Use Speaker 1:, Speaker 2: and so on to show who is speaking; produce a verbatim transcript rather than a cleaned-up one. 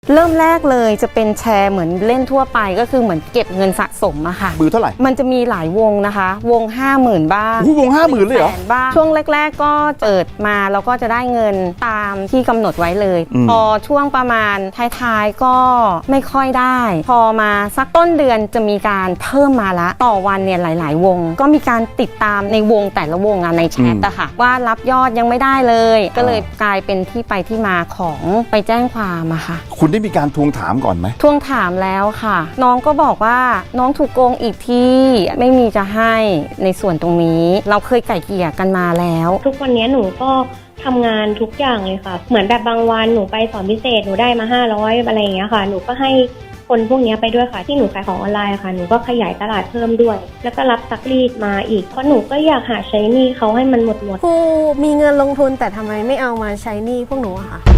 Speaker 1: เริ่มแรกเลยจะเป็นแชร์เหมือนเล่นทั่วไปก็คือเหมือนเก็บเงินสะสมอะค่ะ
Speaker 2: มือเท่าไหร่
Speaker 1: มันจะมีหลายวงนะคะวง ห้าหมื่น บ้าง
Speaker 2: วงห้าหมื่นเลยเหรอ
Speaker 1: บ้างช่วงแรกๆก็เปิดมาเราก็จะได้เงินตามที่กำหนดไว้เลยพอช่วงประมาณท้ายๆก็ไม่ค่อยได้พอมาสักต้นเดือนจะมีการเพิ่มมาละต่อวันเนี่ยหลายๆวงก็มีการติดตามในวงแต่ละวงอะในแชทอะค่ะว่ารับยอดยังไม่ได้เลยก็เลยกลายเป็นที่ไปที่มาของไปแจ้งความอะค่ะ
Speaker 2: คุณได้มีการทวงถามก่อนไหม
Speaker 1: ทวงถามแล้วค่ะน้องก็บอกว่าน้องถูกโกงอีกที่ไม่มีจะให้ในส่วนตรงนี้เราเคยไก่เกลี่ยกันมาแล้ว
Speaker 3: ทุกวันนี้หนูก็ทำงานทุกอย่างเลยค่ะเหมือนแบบบางวันหนูไปสอนพิเศษหนูได้มาห้าร้อยอะไรอย่างเงี้ยค่ะหนูก็ให้คนพวกนี้ไปด้วยค่ะที่หนูขายของออนไลน์ค่ะหนูก็ขยายตลาดเพิ่มด้วยแล้วก็รับซักรีดมาอีกเพราะหนูก็อยากหาใช้หนี้เขาให้มันหมดหมด
Speaker 4: ครูมีเงินลงทุนแต่ทำไมไม่เอามาใช้หนี้พวกหนูอะค่ะ